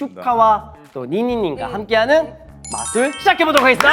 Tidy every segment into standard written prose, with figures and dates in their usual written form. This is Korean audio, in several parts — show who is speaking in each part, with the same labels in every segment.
Speaker 1: 슈카와 또 니니님과 함께하는 마술 시작해보도록 하겠습니다.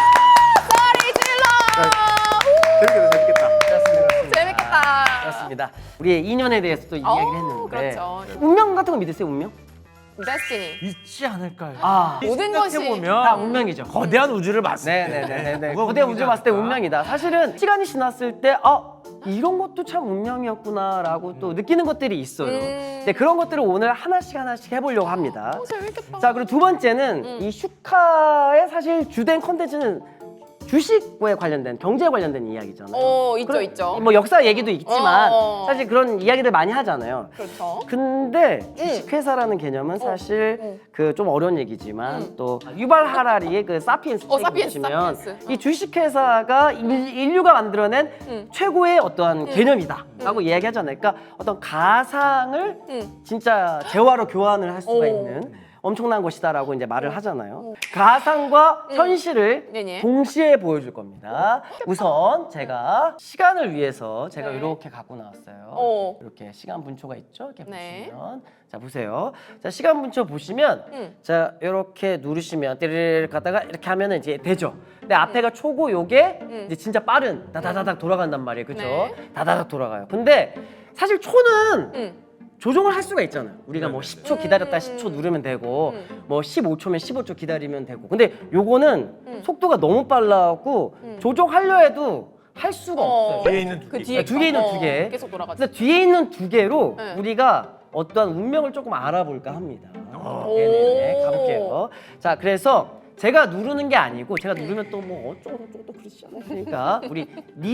Speaker 2: 재밌겠다.
Speaker 1: 그렇습니다. 우리의 인연에 대해서 또 이야기를 했는데
Speaker 2: 그렇죠.
Speaker 1: 운명 같은 거 믿으세요? 운명?
Speaker 2: 데스티니.
Speaker 3: 있지 않을까요?
Speaker 2: 모든 것이
Speaker 1: 다
Speaker 3: 보면
Speaker 1: 운명이죠.
Speaker 3: 거대한 우주를 봤을 때
Speaker 1: 네네네네.
Speaker 3: 뭐가
Speaker 1: 거대 우주
Speaker 3: 운명이지
Speaker 1: 봤을 때
Speaker 3: 않을까?
Speaker 1: 운명이다. 사실은 시간이 지났을 때 이런 것도 참 운명이었구나라고 또 느끼는 것들이 있어요. 근데 그런 것들을 오늘 하나씩 해보려고 합니다.
Speaker 2: 재밌겠다.
Speaker 1: 자, 그리고 두 번째는 이 슈카의 사실 주된 컨텐츠는 주식에 관련된 경제에 관련된 이야기잖아요.
Speaker 2: 있죠, 있죠.
Speaker 1: 뭐 역사 얘기도 있지만 사실 그런 이야기들 많이 하잖아요.
Speaker 2: 그렇죠.
Speaker 1: 근데 주식회사라는 개념은 사실 그 좀 어려운 얘기지만 또 유발 하라리의 그 사피엔스 책을
Speaker 2: 사피엔스,
Speaker 1: 보시면
Speaker 2: 사피엔스.
Speaker 1: 이 주식회사가 인류가 만들어낸 최고의 어떠한 개념이다라고 이야기하잖아요. 그러니까 어떤 가상을 진짜 재화로 교환을 할 수가 있는 엄청난 것이다라고 이제 말을 하잖아요. 가상과 현실을
Speaker 2: 네네.
Speaker 1: 동시에 보여줄 겁니다. 우선 제가 시간을 위해서 제가
Speaker 2: 네.
Speaker 1: 이렇게 갖고 나왔어요. 이렇게 시간 분초가 있죠? 이렇게
Speaker 2: 네.
Speaker 1: 보시면 자 보세요. 자 시간 분초 보시면 자 이렇게 누르시면 띠르르 갔다가 이렇게 하면은 이제 되죠. 근데 앞에가 초고 요게 이제 진짜 빠른 다다다닥 돌아간단 말이에요. 그렇죠?
Speaker 2: 네.
Speaker 1: 다다닥 돌아가요. 근데 사실 초는 조정을 할 수가 있잖아요. 우리가 뭐 10초 기다렸다 10초 누르면 되고 뭐 15초면 15초 기다리면 되고. 근데 요거는 속도가 너무 빨라갖고 조정하려 해도 할 수가 없어요.
Speaker 3: 뒤에 있는 두
Speaker 2: 그
Speaker 3: 개.
Speaker 2: 뒤에
Speaker 1: 뒤에 있는 두 개.
Speaker 2: 계속 돌아가죠.
Speaker 1: 그래서 뒤에 있는 두 개로
Speaker 2: 네.
Speaker 1: 우리가 어떠한 운명을 조금 알아볼까 합니다.
Speaker 2: 오.
Speaker 1: 네네네 가볼게요. 자 그래서 제가 누르는 게 아니고 제가 누르면 또 뭐 어쩌고 저쩌고 또 그러시잖아요. 그러니까 우리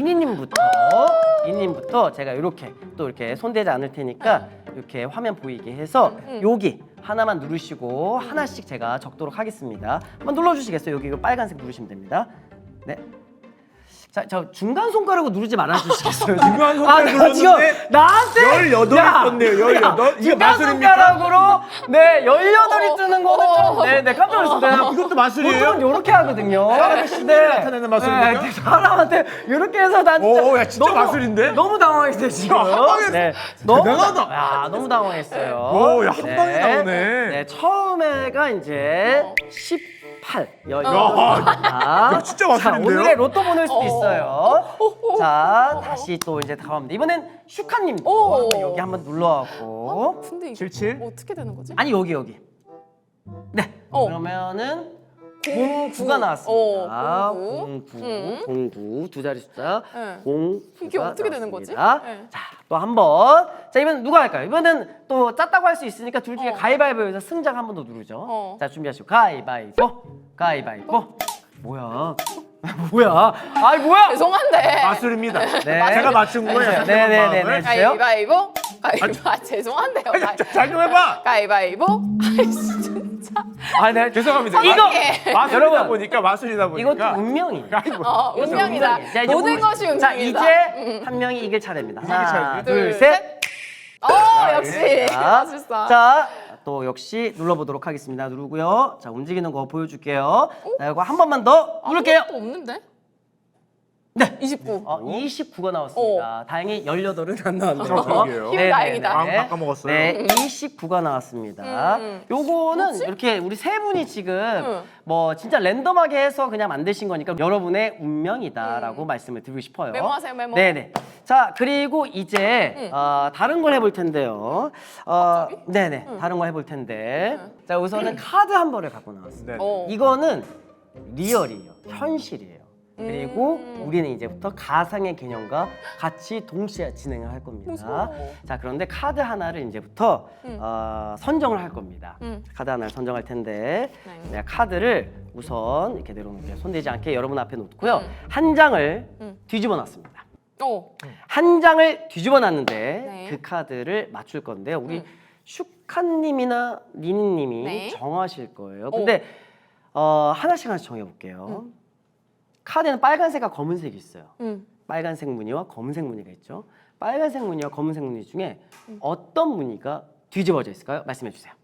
Speaker 1: 니니님부터 제가 이렇게 또 이렇게 손대지 않을 테니까 이렇게 화면 보이게 해서 여기 하나만 누르시고 하나씩 제가 적도록 하겠습니다. 한번 눌러주시겠어요? 여기 이거 빨간색 누르시면 됩니다. 네. 자, 저 중간 손가락으로 누르지 말아주시겠어요?
Speaker 3: 중간 손가락
Speaker 1: 나 지금
Speaker 3: 눌렀는데
Speaker 1: 나한테
Speaker 3: 18이
Speaker 1: 야,
Speaker 3: 떴네요, 18.
Speaker 1: 야,
Speaker 3: 이거
Speaker 1: 중간
Speaker 3: 마술입니까?
Speaker 1: 손가락으로 네 18이 뜨는 거는 좀 네 깜짝 놀랐어요.
Speaker 3: 이것도 마술이에요?
Speaker 1: 보통은 이렇게 하거든요.
Speaker 3: 사람의 심리를 나타내는 마술입니까?
Speaker 1: 네, 사람한테 이렇게 해서 난 진짜
Speaker 3: 오, 야, 진짜 마술인데?
Speaker 1: 너무 당황했어요 지금.
Speaker 3: 당황했어. 대단하다.
Speaker 1: 야 너무 당황했어요.
Speaker 3: 오, 야, 한 방에 나오네.
Speaker 1: 네 처음에가 이제 18.
Speaker 3: 야, 진짜 마술인데요?
Speaker 1: 오늘의 로또 보낼 수도 있어요. 자 다시 또 이제 다가옵니다. 이번엔 슈카님 여기 한번 눌러갖고
Speaker 2: 근데 이거
Speaker 3: 77?
Speaker 2: 어떻게 되는 거지?
Speaker 1: 아니 여기 네 그러면은 09가 나왔습니다. 09 두 자리 숫자
Speaker 2: 네.
Speaker 1: 09가
Speaker 2: 이게 어떻게 되는 거지?
Speaker 1: 나왔습니다.
Speaker 2: 네.
Speaker 1: 자 또 한 번. 자 이번엔 누가 할까요? 이번엔 또 짰다고 할 수 있으니까 둘 중에 가위바위보에서 승자가 한 번 더 누르죠. 자 준비하시고 가위바위보 가위바위보. 뭐야? 뭐야? 아이 뭐야?
Speaker 2: 죄송한데.
Speaker 3: 마술입니다.
Speaker 1: 네.
Speaker 3: 제가 맞춘 거예요.
Speaker 1: 네네네네.
Speaker 2: 가위바위보. 가위바위보. 죄송한데요.
Speaker 3: 잘 좀 해봐.
Speaker 2: 가위바위보. 아이씨 진짜.
Speaker 1: 아, 네.
Speaker 3: 죄송합니다.
Speaker 1: 이거
Speaker 3: 마술이다
Speaker 1: 여러분,
Speaker 3: 보니까 마술이다 보니까.
Speaker 1: 이것도 운명이에요.
Speaker 3: 아이고.
Speaker 2: 운명이다.
Speaker 1: 자, 이제
Speaker 2: 모든 것이 운명이다.
Speaker 1: 자 이제 한 명이 이길 차례입니다. 하나,
Speaker 3: 차례입니다.
Speaker 1: 둘, 셋.
Speaker 2: 역시
Speaker 1: 자,
Speaker 2: 마술사.
Speaker 1: 자, 또 역시 눌러보도록 하겠습니다. 누르고요. 자, 움직이는 거 보여줄게요. 자, 이거 한 번만 더 누를게요.
Speaker 2: 또 없는데?
Speaker 1: 네.
Speaker 2: 29.
Speaker 1: 29가 나왔습니다. 다행히 18은 안 나왔네요.
Speaker 3: 그러게요.
Speaker 2: 힘 다행이다.
Speaker 3: 아까 먹었어요.
Speaker 1: 네, 29가 나왔습니다. 요거는 이렇게 우리 세 분이 지금 뭐 진짜 랜덤하게 해서 그냥 만드신 거니까 여러분의 운명이다라고 말씀을 드리고 싶어요.
Speaker 2: 메모하세요, 메모.
Speaker 1: 네네. 자, 그리고 이제 다른 걸 해볼 텐데요. 네네. 다른 거 해볼 텐데. 자, 우선은 카드 한 벌을 갖고 나왔습니다.
Speaker 3: 네.
Speaker 1: 이거는 리얼이에요. 현실이에요. 그리고 우리는 이제부터 가상의 개념과 같이 동시에 진행을 할 겁니다.
Speaker 2: 무서워.
Speaker 1: 자, 그런데 카드 하나를 이제부터 선정을 할 겁니다. 카드 하나를 선정할 텐데
Speaker 2: 네.
Speaker 1: 내가 카드를 우선 이렇게 내려놓을게요. 손대지 않게 여러분 앞에 놓고요. 한 장을 뒤집어 놨습니다. 한 장을 뒤집어 놨는데
Speaker 2: 네.
Speaker 1: 그 카드를 맞출 건데요. 우리 슈카님이나 니니님이
Speaker 2: 네.
Speaker 1: 정하실 거예요. 근데 하나씩 정해볼게요. 카드에는 빨간색과 검은색이 있어요. 빨간색 무늬와 검은색 무늬가 있죠. 빨간색 무늬와 검은색 무늬 중에 어떤 무늬가 뒤집어져 있을까요? 말씀해 주세요.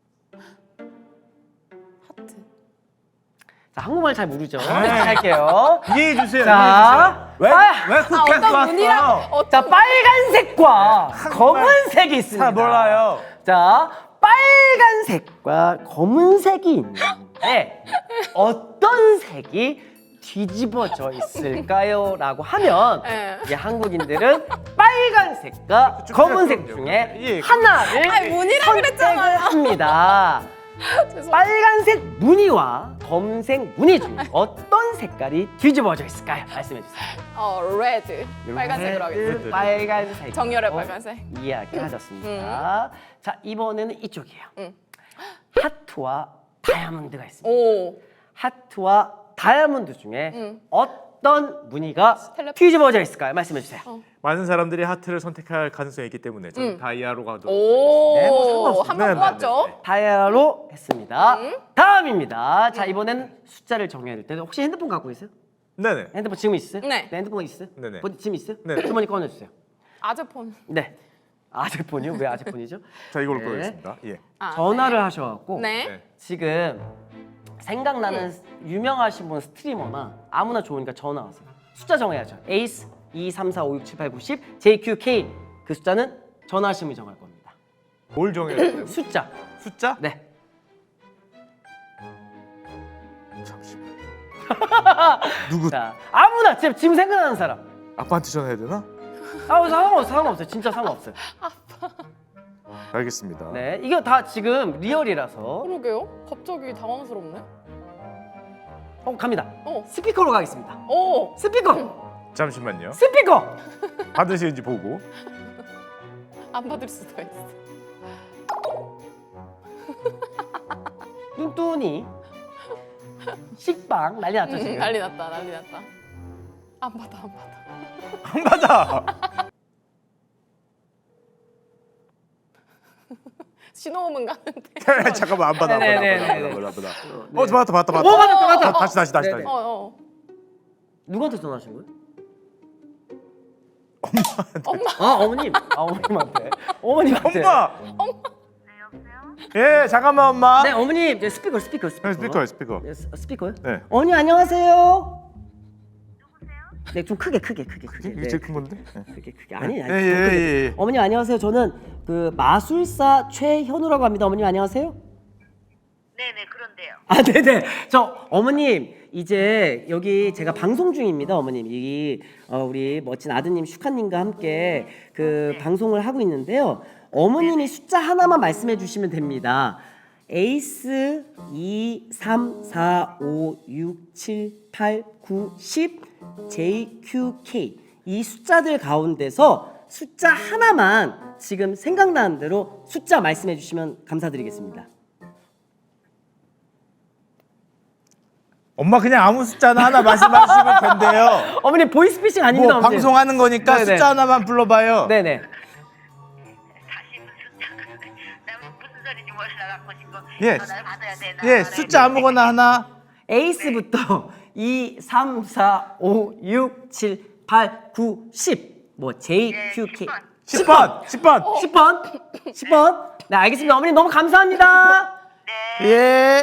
Speaker 2: 하트.
Speaker 1: 자, 한국말 잘 모르죠? 할게요.
Speaker 3: 이해해 주세요.
Speaker 1: 자,
Speaker 3: 왜 쿠키한테
Speaker 2: 어떤 문이랑
Speaker 1: 자, 빨간색과 검은색이 있습니다.
Speaker 3: 몰라요.
Speaker 1: 자, 빨간색과 검은색이 있는데 어떤 색이 뒤집어져 있을까요? 라고 하면
Speaker 2: 예.
Speaker 1: 이제 한국인들은 빨간색과 검은색
Speaker 3: 그럼요.
Speaker 1: 중에
Speaker 3: 예.
Speaker 1: 하나를
Speaker 2: 아니, 무늬라
Speaker 1: 선택을
Speaker 2: 그랬잖아요.
Speaker 1: 합니다.
Speaker 2: 죄송합니다.
Speaker 1: 빨간색 무늬와 검은색 무늬 중 어떤 색깔이 뒤집어져 있을까요? 말씀해 주세요.
Speaker 2: 레드. 빨간색으로 하겠습니다.
Speaker 1: 빨간색.
Speaker 2: 정열의 빨간색.
Speaker 1: 이야기하셨습니다. 자, 이번에는 이쪽이에요.
Speaker 2: 응.
Speaker 1: 하트와 다이아몬드가 있습니다.
Speaker 2: 오.
Speaker 1: 하트와 다이아몬드 중에
Speaker 2: 응.
Speaker 1: 어떤 무늬가 뒤집어져 있을까요? 말씀해 주세요.
Speaker 3: 많은 사람들이 하트를 선택할 가능성이 있기 때문에 저는 다이아로 가도록
Speaker 2: 오.
Speaker 1: 네, 뭐 상관없습니다.
Speaker 2: 한 번
Speaker 3: 네,
Speaker 2: 뽑았죠.
Speaker 3: 네, 네.
Speaker 1: 다이아로 했습니다. 다음입니다. 자, 이번에는 숫자를 정해야 될 텐데 혹시 핸드폰 갖고 있어요?
Speaker 3: 네네.
Speaker 1: 핸드폰 지금 있어요?
Speaker 2: 네.
Speaker 1: 핸드폰 있어요?
Speaker 3: 네네.
Speaker 1: 지금 있어요?
Speaker 3: 네.
Speaker 1: 주머니 꺼내주세요.
Speaker 2: 아재폰.
Speaker 1: 네. 아재폰이요? 왜 아재폰이죠?
Speaker 3: 자 이걸로
Speaker 1: 네.
Speaker 3: 보겠습니다. 예.
Speaker 2: 아,
Speaker 1: 전화를 하셔갖고
Speaker 2: 네.
Speaker 3: 네.
Speaker 1: 지금 생각나는 유명하신 분 스트리머나 아무나 좋으니까 전화하세요. 숫자 정해야죠. 에이스 2, 3, 4, 5, 6, 7, 8, 9, 10 JQK 그 숫자는 전화하신 분이 정할 겁니다.
Speaker 3: 뭘 정해야 돼요?
Speaker 1: 숫자.
Speaker 3: 숫자?
Speaker 1: 네.
Speaker 3: 잠시만. 누구?
Speaker 1: 자, 아무나 지금 생각나는 사람.
Speaker 3: 아빠한테 전화해야 되나?
Speaker 1: 상관없어요. 진짜 상관없어요.
Speaker 3: 알겠습니다.
Speaker 1: 네, 이거 다 지금 리얼이라서.
Speaker 2: 그러게요. 갑자기 당황스럽네.
Speaker 1: 갑니다.
Speaker 2: 어.
Speaker 1: 스피커로 가겠습니다.
Speaker 2: 오.
Speaker 1: 스피커.
Speaker 3: 잠시만요.
Speaker 1: 스피커.
Speaker 3: 받으시는지 보고.
Speaker 2: 안 받을 수도 있어.
Speaker 1: 뚠뚠이 식빵 난리 났죠 지금.
Speaker 2: 난리 났다. 난리 났다. 안 받아. 안 받아.
Speaker 3: 안 받아.
Speaker 2: 신호음은 가는데.
Speaker 3: 잠깐만 안 받아. 안 받아.
Speaker 1: 네네네네.
Speaker 3: 안 받아. 받았다.
Speaker 1: 오, 받았다.
Speaker 3: 다시.
Speaker 1: 네네.
Speaker 2: 어.
Speaker 1: 누구한테 전화하신 거예요? 어머님. 어머님한테. 어머님한테.
Speaker 3: 엄마. 예, 잠깐만 엄마.
Speaker 1: 네, 어머님. 네, 스피커.
Speaker 3: 스피커요.
Speaker 1: 네, 스피커요?
Speaker 3: 네.
Speaker 1: 어머니 안녕하세요. 네, 좀 크게.
Speaker 3: 이게 제일 큰 건데.
Speaker 1: 크게. 아니. 좀
Speaker 3: 예.
Speaker 1: 크게. 어머님 안녕하세요. 저는 그 마술사 최현우라고 합니다. 어머님 안녕하세요.
Speaker 4: 네네 그런데요.
Speaker 1: 아, 네네. 저 어머님 이제 여기 제가 방송 중입니다, 어머님. 이 우리 멋진 아드님 슈카님과 함께 그 방송을 하고 있는데요. 어머님이 숫자 하나만 말씀해 주시면 됩니다. 에이스 2, 3, 4, 5, 6, 7, 8, 9, 10 JQK 이 숫자들 가운데서 숫자 하나만 지금 생각나는 대로 숫자 말씀해 주시면 감사드리겠습니다.
Speaker 3: 엄마 그냥 아무 숫자나 하나 말씀하시면 된대요.
Speaker 1: 어머님 보이스피싱 아닙니다,
Speaker 3: 뭐
Speaker 1: 어머님.
Speaker 3: 방송하는 거니까
Speaker 1: 네네.
Speaker 3: 숫자 하나만 불러봐요.
Speaker 1: 네네.
Speaker 4: 다시 나 무슨 소리인지 몰라갖고 지금
Speaker 3: 예.
Speaker 4: 전화를 받아야 되나
Speaker 3: 예, 숫자 아무거나 하나.
Speaker 1: 에이스부터 2, 3, 4, 5, 6, 7, 8, 9, 10. 뭐 JQK.
Speaker 3: 10번.
Speaker 1: 10번. 네, 알겠습니다. 어머님 너무 감사합니다.
Speaker 3: 예.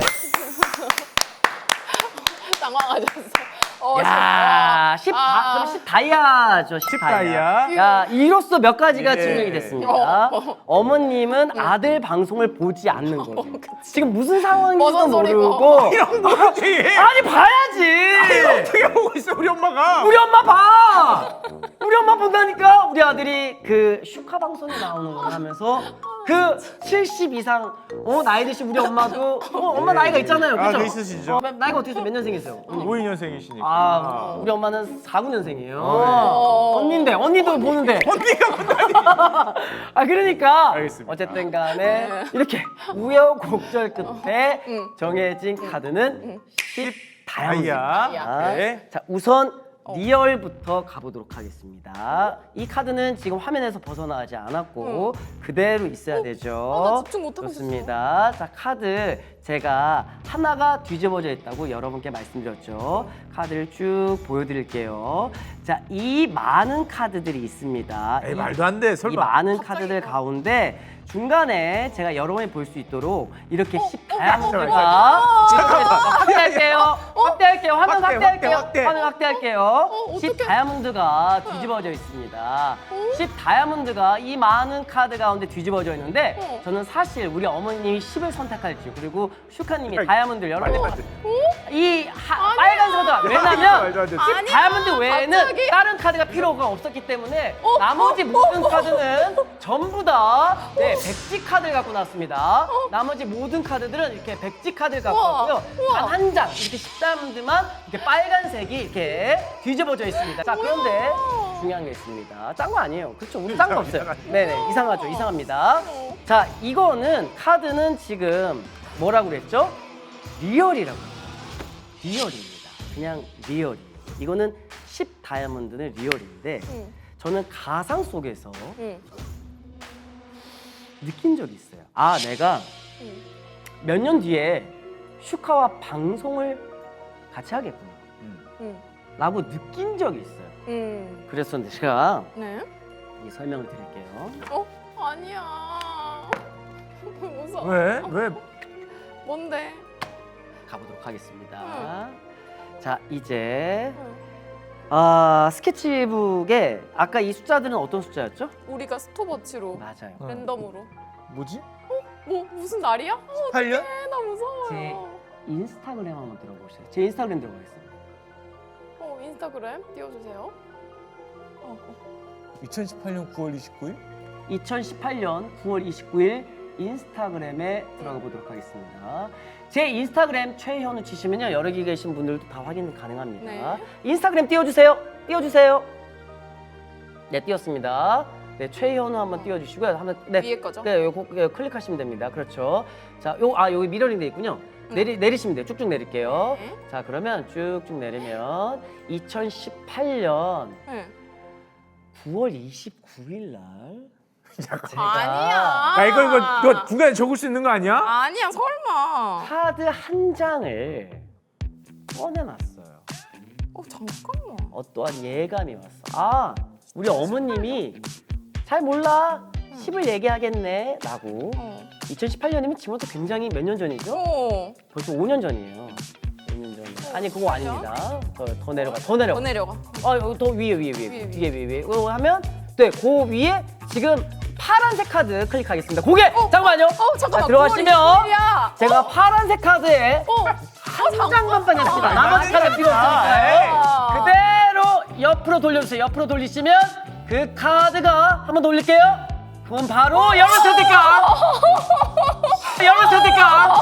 Speaker 2: 당황하셨어.
Speaker 1: 야, 10 다이아죠. 10
Speaker 3: 다이아.
Speaker 1: 야, 이로써 몇 가지가
Speaker 3: 예.
Speaker 1: 증명이 됐습니다. 어머님은 아들 방송을 보지 않는 거죠. 지금 무슨 상황인지도
Speaker 2: 버선 소리고.
Speaker 1: 모르고.
Speaker 3: 이런 거지.
Speaker 1: 아니 봐야지.
Speaker 3: 어떻게 보고 있어 우리 엄마가?
Speaker 1: 우리 엄마 봐. 우리 엄마 본다니까. 우리 아들이 그 슈카 방송에 나오는 거 하면서 그 70 이상 나이 드신 우리 엄마도 엄마 나이가 있잖아요.
Speaker 3: 아,
Speaker 1: 그죠?
Speaker 3: 그 있으시죠.
Speaker 1: 나이가 어떻게 되세요? 몇 년생이세요?
Speaker 3: 52년생이시니까.
Speaker 1: 우리 엄마는 49년생이에요.
Speaker 2: 어.
Speaker 1: 언니도 보는데.
Speaker 3: 언니가 보다니.
Speaker 1: 그러니까
Speaker 3: 알겠습니다.
Speaker 1: 어쨌든 간에 이렇게 우여곡절 끝에 정해진 카드는 10 다이아입니다.
Speaker 3: 다이아. 네.
Speaker 1: 자, 우선 리얼부터 가보도록 하겠습니다. 이 카드는 지금 화면에서 벗어나지 않았고 그대로 있어야 되죠.
Speaker 2: 나 집중 못하고
Speaker 1: 좋습니다. 자, 카드 제가 하나가 뒤집어져 있다고 여러분께 말씀드렸죠. 카드를 쭉 보여드릴게요. 자, 이 많은 카드들이 있습니다.
Speaker 3: 에이 말도 안 돼.
Speaker 1: 이
Speaker 3: 설마.
Speaker 1: 많은 카드들 가운데 중간에 제가 여러 번이 볼 수 있도록 이렇게 10 다이아몬드가 확대할게요. 확대할게요. 화면 확대할게요. 화면 확대할게요. 10 다이아몬드가 뒤집어져 있습니다. 10 다이아몬드가 이 많은 카드 가운데 뒤집어져 있는데 저는 사실 우리 어머님이 10을 선택할지 그리고 슈카님이 다이아몬드를 여러분 이 빨간색은 왜냐면
Speaker 3: 말도 안 돼.
Speaker 1: 10 다이아몬드 외에는
Speaker 2: 갑자기?
Speaker 1: 다른 카드가 필요가 없었기 때문에 나머지 모든 카드는 전부 다 백지 카드를 갖고 나왔습니다. 나머지 모든 카드들은 이렇게 백지 카드를 갖고
Speaker 2: 우와,
Speaker 1: 왔고요.
Speaker 2: 우와.
Speaker 1: 단 한 장 이렇게 10다이아몬드만 이렇게 빨간색이 이렇게 뒤집어져 있습니다. 자 그런데 중요한 게 있습니다. 짠 거 아니에요. 그렇죠? 우리 짠 거 없어요. 네네 이상하죠. 이상합니다. 자 이거는 카드는 지금 뭐라고 그랬죠? 리얼이라고 했죠. 리얼입니다. 그냥 리얼이에요. 이거는 10 다이아몬드는 리얼인데 저는 가상 속에서 느낀 적이 있어요. 아 내가 몇 년 뒤에 슈카와 방송을 같이 하겠구나 라고 느낀 적이 있어요. 그래서 제가
Speaker 2: 네?
Speaker 1: 이 설명을 드릴게요.
Speaker 2: 아니야. 무서워.
Speaker 3: 왜? 왜?
Speaker 2: 뭔데?
Speaker 1: 가보도록 하겠습니다. 자 이제
Speaker 2: 응.
Speaker 1: 스케치북에 아까 이 숫자들은 어떤 숫자였죠?
Speaker 2: 우리가 스톱워치로
Speaker 1: 맞아요.
Speaker 2: 랜덤으로.
Speaker 3: 뭐지?
Speaker 2: 뭐 무슨 날이야?
Speaker 3: 8년?
Speaker 2: 나 무서워요.
Speaker 1: 제 인스타그램 한번 들어보세요. 제 인스타그램 들어가겠습니다.
Speaker 2: 인스타그램 띄워주세요.
Speaker 3: 2018년 9월 29일?
Speaker 1: 2018년 9월 29일 인스타그램에 들어가 보도록 하겠습니다. 제 인스타그램 최현우 치시면요 여기 계신 분들도 다 확인 가능합니다.
Speaker 2: 네.
Speaker 1: 인스타그램 띄워주세요. 띄워주세요. 네 띄웠습니다. 네 최현우 한번 띄워주시고요. 한번
Speaker 2: 위에 거죠?
Speaker 1: 네 요거 클릭하시면 됩니다. 그렇죠. 자 여기 미러링 돼 있군요. 내리시면 돼요. 쭉쭉 내릴게요.
Speaker 2: 네.
Speaker 1: 자 그러면 쭉쭉 내리면 2018년
Speaker 2: 네.
Speaker 1: 9월 29일 날
Speaker 2: 아니야.
Speaker 3: 야 이거 너 중간에 적을 수 있는 거 아니야?
Speaker 2: 아니야 설마.
Speaker 1: 카드 한 장을 꺼내놨어요.
Speaker 2: 잠깐만.
Speaker 1: 어떠한 예감이 왔어. 아, 우리 어머님이 잘 몰라. 10을 얘기하겠네. 라고. 2018년이면 지금부터 굉장히 몇 년 전이죠? 벌써 5년 전이에요. 5년 전. 아니, 그거 아닙니다. 더 내려가. 더 내려가.
Speaker 2: 더 내려가.
Speaker 1: 여기 더 위에. 이거 하면, 네, 그 위에 지금 파란색 카드 클릭하겠습니다. 고개! 잠깐만요.
Speaker 2: 잠깐만.
Speaker 1: 자, 들어가시면
Speaker 2: 9월 20일이야.
Speaker 1: 제가 파란색 카드에 한 장만 빼냈습니다. 나머지 카드 필요 없으니까요. 그대로 옆으로 돌려주세요. 옆으로 돌리시면 그 카드가 한번 더 올릴게요. 그건 바로 여러분 선택감. 여러분 선택감.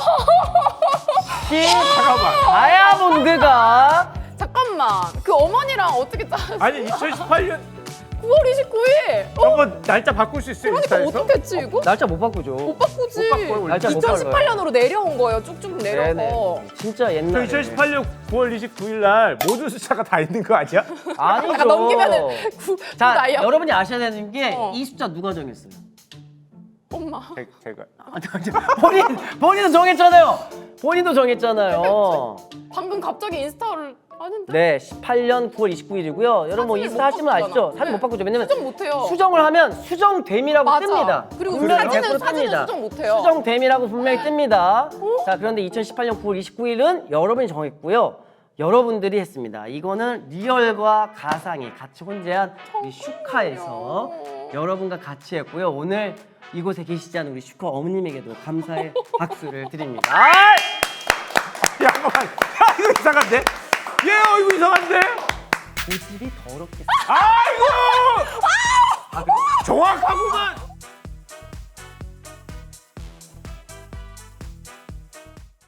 Speaker 3: 잠깐만.
Speaker 1: 다이아몬드가
Speaker 2: 잠깐만. 그 어머니랑 어떻게
Speaker 3: 아니 2018년
Speaker 2: 9월 29일.
Speaker 3: 저거 날짜 바꿀 수 있어요
Speaker 2: 그러니까
Speaker 3: 인스타에서?
Speaker 2: 어떻게 했지 이거?
Speaker 1: 날짜 못 바꾸죠.
Speaker 2: 못 바꾸지.
Speaker 3: 못 바꿔요, 원래.
Speaker 1: 날짜 못 바꿔요.
Speaker 2: 2018년으로 내려온 거예요. 쭉쭉 내려서.
Speaker 1: 네네. 진짜
Speaker 3: 저
Speaker 1: 옛날에.
Speaker 3: 2018년 9월 29일 날 모든 숫자가 다 있는 거 아니야?
Speaker 1: 아니죠.
Speaker 2: 약간 넘기면은
Speaker 1: 자,
Speaker 2: 나이야.
Speaker 1: 여러분이 아셔야 되는 게 이
Speaker 2: 어.
Speaker 1: 숫자 누가 정했어요?
Speaker 2: 엄마.
Speaker 3: 제가
Speaker 1: 본인도 정했잖아요. 본인도 정했잖아요.
Speaker 2: 방금 갑자기 인스타를 아닌데?
Speaker 1: 네, 18년 9월 29일이고요. 여러분 뭐
Speaker 2: 사진을
Speaker 1: 인스타
Speaker 2: 못
Speaker 1: 하시면 아시죠?
Speaker 2: 바꾸잖아.
Speaker 1: 사진 못 바꾸죠. 왜냐면
Speaker 2: 수정 못해요.
Speaker 1: 수정을 하면 수정됨이라고
Speaker 2: 맞아.
Speaker 1: 뜹니다.
Speaker 2: 그리고
Speaker 1: 분명히
Speaker 2: 사진은
Speaker 1: 100%
Speaker 2: 사진은
Speaker 1: 뜹니다.
Speaker 2: 수정 못해요.
Speaker 1: 수정됨이라고 분명히 뜹니다. 자, 그런데 2018년 9월 29일은 여러분이 정했고요. 여러분들이 했습니다. 이거는 리얼과 가상이 같이 혼재한 우리 슈카에서 여러분과 같이 했고요. 오늘 이곳에 계시지 않은 우리 슈카 어머님에게도 감사의 박수를 드립니다.
Speaker 3: 잠깐만. 이거 이상한데? 얘 이거 이상한데?
Speaker 1: 고집이 더럽게.
Speaker 3: 아이고! 정확하구만.